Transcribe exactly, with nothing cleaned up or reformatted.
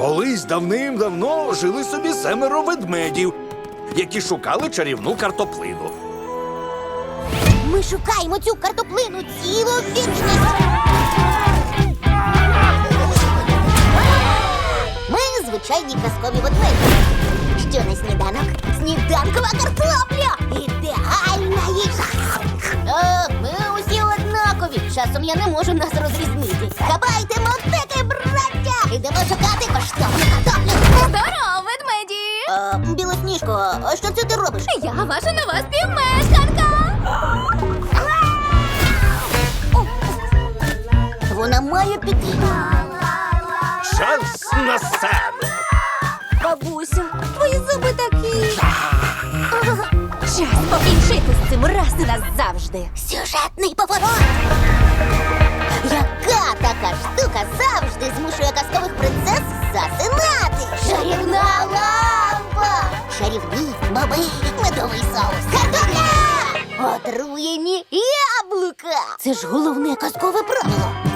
Колись давним-давно жили собі семеро ведмедів, які шукали чарівну картоплину. Ми шукаємо цю картоплину цілу вічність. Ми звичайні казкові ведмеді. Що на сніданок? Сніданкова картопля! Ідеальна їжа! О, ми усі однакові. Часом я не можу нас розрізнити. Хапайте мотики, браття! Ідемо шукати коштовну картоплю. Здоров, ведмеді! Е, Білосніжко, а що це ти робиш? Я ваша нова співмешканка! Вона має піти. Час на сцену! Бабусю, твої зуби такі. Час покінчити з цим раз і назавжди. Сюжетний поворот. Яка така штука завжди змушує казкових принцес засинати? Чарівна лампа! Чарівні боби, медовий соус, картопля! Отруєні яблука! Це ж головне казкове правило.